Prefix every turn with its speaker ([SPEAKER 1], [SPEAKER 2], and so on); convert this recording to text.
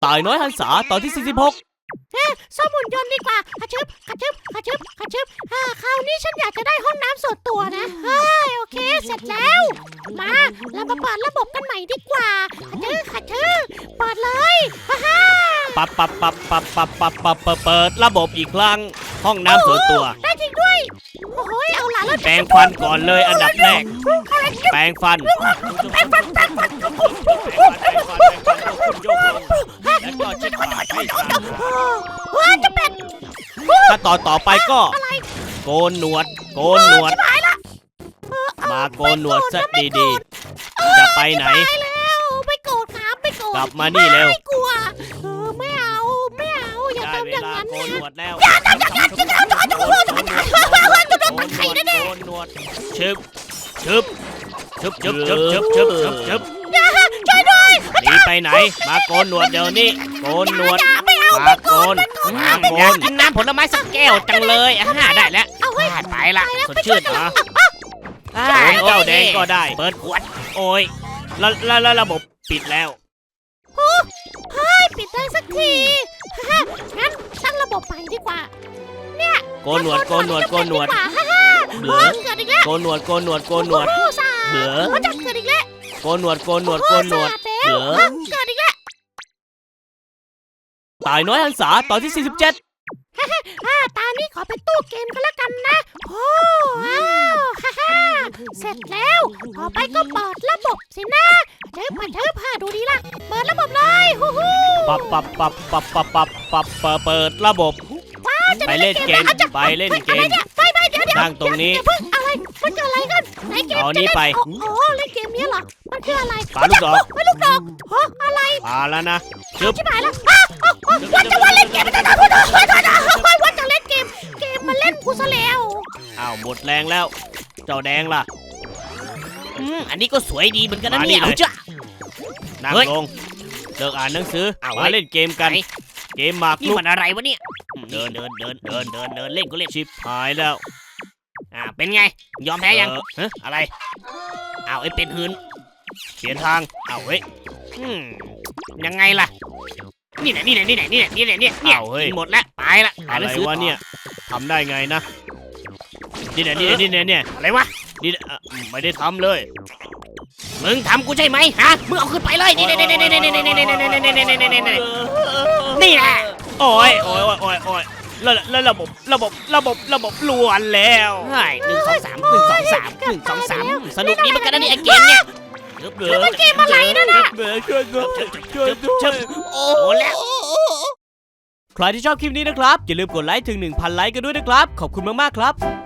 [SPEAKER 1] ตายน้อยหันษาตอนที่46
[SPEAKER 2] ซ่อมหุ่นยนต์ดีกว่าขะชึบขะชึบขะชึบขะชึบคราวนี้ฉันอยากจะได้ห้องน้ำส่วนตัวนะโอเคเสร็จแล้วมาเรามาเปิดระบบกันใหม่ดีกว่าขะชึบเปิดเลยฮ่า
[SPEAKER 1] เปิดระบบอีกครั้งห้องน้ำส่วนตัว
[SPEAKER 2] ได้จริงด้วยโอ้โหเอาล่ะแล้ว
[SPEAKER 1] แปรงฟันก่อนเลยอันดับแรกแปรงฟันแล้วก็เช็ดปากให้สะอาด
[SPEAKER 2] จะเป็น
[SPEAKER 1] ถ้าต่อไปก็โกนหนวดมาโกนหนวดซะดีๆจะไปไหน
[SPEAKER 2] ไม่โกรธครับไม่โกรธ
[SPEAKER 1] กลับมานี่เร็ว
[SPEAKER 2] ไม่กลัวไม่เอาอย่าทำอย่างนั้นนะ
[SPEAKER 1] อย่าทำอย่างนั้นจะโดนไข่แน่ๆโกนหนวดชึบ
[SPEAKER 2] ช่วยด้วย
[SPEAKER 1] หนีไปไหนมาโกนหนวดเดี๋ยวนี้โกนหนวดมาโกนกินน้ำผลไม้สักแก้วจังเลยได้แล้วไปละสดชื่นเหรอเจ้าแดงก็ได้เปิดขวดโอ้ยแล้วระบบปิดแล้ว
[SPEAKER 2] ปิดได้สักทีงั้นตั้งระบบใหม่ดีกว่าเนี่ย
[SPEAKER 1] โกนหนวดเบื่อ
[SPEAKER 2] เกิดอีกแล้ว
[SPEAKER 1] โกนหนวดเบื่อ
[SPEAKER 2] จะเกิดอีกแล้ว
[SPEAKER 1] โกนหนวดเบื่อ
[SPEAKER 2] เกิดอีกแล้ว
[SPEAKER 1] ตายน้อยหันษาตอนที่47
[SPEAKER 2] ตานี้ขอเป็นตู้เกมกันแล้วกันนะโอ้ว้าวเสร็จแล้วต่อไปก็เปิดระบบสินะเธอดูดีล่ะเปิดระบบเลยฮู้
[SPEAKER 1] เปิดระบบไปเล่นเกมเดี๋ยวนั่งตรงนี้
[SPEAKER 2] อะไรมันเกิดอะไรกันไหนเกม
[SPEAKER 1] เอานี้ไป
[SPEAKER 2] เล่นเกมนี้เหรอมันคืออะไร
[SPEAKER 1] ปาลูกดอก
[SPEAKER 2] อะไร
[SPEAKER 1] ปาแล้วนะ
[SPEAKER 2] ชิบหายแล้วว่าจะเล่นเกมว่าจะเล่นเกมมาเล่นกูซะแล้ว
[SPEAKER 1] หมดแรงแล้วเจ้าแดงล่ะ
[SPEAKER 3] อันนี้ก็สวยดีเหมือนกันนะเนี่ยเอาจ้ะ
[SPEAKER 1] นั่งลงเลิกอ่านหนังสือมาเล่นเกมกันเกมหมาก
[SPEAKER 3] นี่มันอะไรวะเนี่ยเดินเล่นก็เล่น
[SPEAKER 1] ชิบหายแล้ว
[SPEAKER 3] เป็นไงยอมแพ้ยัง
[SPEAKER 1] อะไร
[SPEAKER 3] ไอ้เป็นหืน
[SPEAKER 1] เปลี่ยนทาง
[SPEAKER 3] เฮ้ยยังไงล่ะนี่แหละหมดแล้วตายละ
[SPEAKER 1] อะไรวะเนี่ยทำได้ไงนะนี่
[SPEAKER 3] อะไรวะ
[SPEAKER 1] นี่ไม่ได้ทำเลย
[SPEAKER 3] มึงทำกูใช่ไหมฮะมึงเอาขึ้นไปเลยนี่แหละ
[SPEAKER 1] โอ้ยแล้วระบบล้วนแล้ว
[SPEAKER 3] 1 2 3สนุกดีเหมือนกันนะนี่ไอเกมเนี่ย
[SPEAKER 2] มันเกมอะไรนั่นน่ะ
[SPEAKER 1] ช่วยโอ้แล้วใครที่ชอบคลิปนี้นะครับอย่าลืมกดไลค์ถึง 1,000 ไลค์กันด้วยนะครับขอบคุณมากๆครับ